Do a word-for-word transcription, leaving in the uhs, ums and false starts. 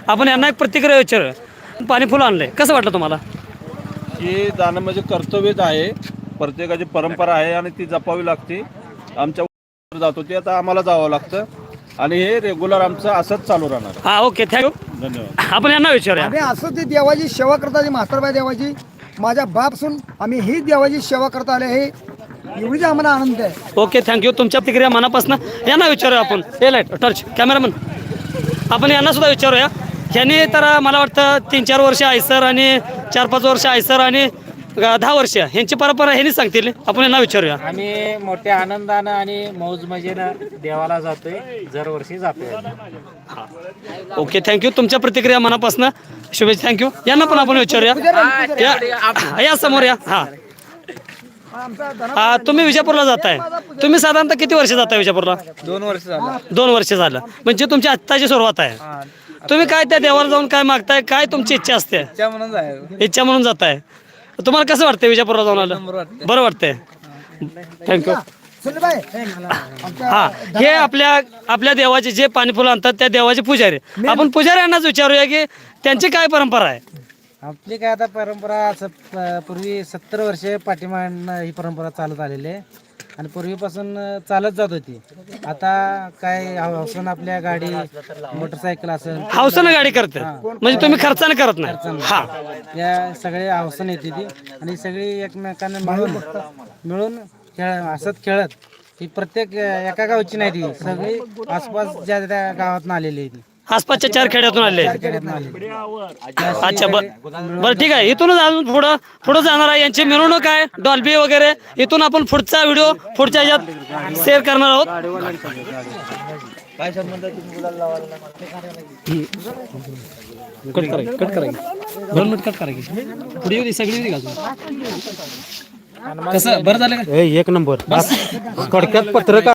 आपण यांना एक प्रतिक्रिया विचार. पाणी फुलं आणलंय, कसं वाटलं तुम्हाला? हे जाणं म्हणजे कर्तव्यच आहे, प्रत्येकाची परंपरा आहे आणि ती जपावी लागते. आमच्या जातो ते आता आम्हाला जावं लागतं आणि हे रेग्युलर आमचं असंच चालू राहणार. हा ओके थँक्यू. धन्यवाद. आपण यांना विचारूया. आम्ही असं ती देवाची सेवा करता, म्हातारबाई देवाची माझ्या बापसून आम्ही ही देवाची सेवा करता आले, हे एवढीच आम्हाला आनंद आहे. Okay thank you. तुमच्या प्रतिक्रिया मनापासून यांना विचारूया आपण. हे लाईट टर्च कॅमेरामन, आपण यांना सुद्धा विचारूया. ह्यांनी तर मला वाटतं तीन चार वर्ष आयसर आणि चार पाच वर्ष आयसर आणि दहा वर्ष ह्यांची परंपरा ह्यांनी सांगतील. आपण यांना विचारूया. आम्ही मोठ्या आनंदानं आणि मौज मजेनं देवाला जातोय, दरवर्षी जातोय. Okay thank you. तुमच्या प्रतिक्रिया मनापासून शुभेच्छा. थँक्यू. यांना पण आपण विचारूया. या- या समोर या. हा हा तुम्ही विजापूरला जाताय, तुम्ही साधारणतः किती वर्ष जाताय विजापूरला? दोन वर्ष झालं. दोन वर्ष झालं, म्हणजे तुमची आत्ताची सुरुवात आहे. तुम्ही काय त्या देवाला जाऊन काय मागताय, काय तुमची इच्छा असते? म्हणून जाय इच्छा म्हणून जाताय. तुम्हाला कसं वाटतंय विजापूरला जाऊन आलं? बरं वाटतंय. थँक्यू. सुनीलबाई, हा हे आपल्या आपल्या देवाचे जे पाणी फुलं आणतात त्या देवाचे पुजारी, आपण पुजारी यांनाच विचारूया की त्यांची काय परंपरा आहे. आपली काय आता परंपरा असं प- पूर्वी सत्तर वर्ष पाठीमागनं ही परंपरा चालत आलेली आहे आणि पूर्वीपासून चालत जात होती. आता काय हौसन आपल्या गाडी मोटरसायकल असेल, हौसानं गाडी करते, म्हणजे तुम्ही खर्चाने करत नाही. हा या सगळे हौसन येते ती आणि सगळी एकमेकांना मिळून मिळून खेळ हसत खेळत ही प्रत्येक एका गावची नाही ती, सगळी आसपास ज्या त्या गावातून आलेली आहे ती. आसपासच्या चार खेड्यातून आले. खेड्यातून आलेली. अच्छा बर बरं ठीक आहे. इथूनच अजून पुढं पुढं जाणार आहे. यांची मिरवणूक आहे, डॉल्बी वगैरे. इथून आपण पुढचा व्हिडिओ पुढच्या ह्याच्यात शेअर करणार आहोत. कट करा कट करा दोन मिनिट कट करा. पुढे येऊ दे, सगळी येऊ दे का? कसं बरं झालं का? एक नंबर थोडक्यात पत्रकार